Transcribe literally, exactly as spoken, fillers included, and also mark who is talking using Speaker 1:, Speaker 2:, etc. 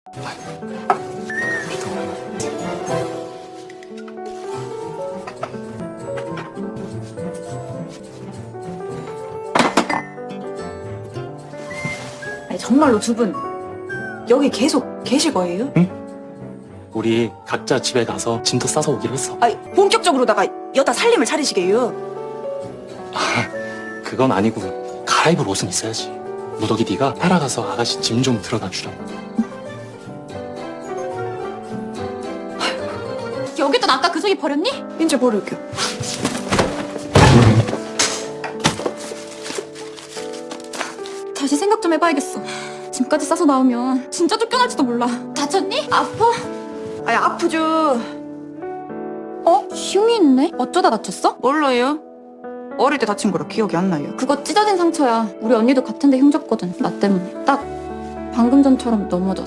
Speaker 1: 아니 정말로 두 분 여기 계속 계실 거예요?
Speaker 2: 우리 각자 집에 가서 짐도 싸서 오기로 했어.
Speaker 1: 아니 본격적으로다가 여다 살림을 차리시게요?
Speaker 2: 그건 아니고 갈아입을 옷은 있어야지. 무덕이 네가 따라가서 아가씨 짐 좀 들어다 주라고.
Speaker 3: 여기도 아까 그 속이 버렸니?
Speaker 1: 이제 버릴게요.
Speaker 3: 다시 생각 좀 해봐야겠어. 짐까지 싸서 나오면 진짜 쫓겨날지도 몰라. 다쳤니? 아파?
Speaker 1: 아니 아프죠.
Speaker 3: 어? 흉이 있네? 어쩌다 다쳤어?
Speaker 1: 몰라요. 어릴 때 다친 거라 기억이 안 나요.
Speaker 3: 그거 찢어진 상처야. 우리 언니도 같은데 흉졌거든. 나 때문에. 딱 방금 전처럼 넘어졌어.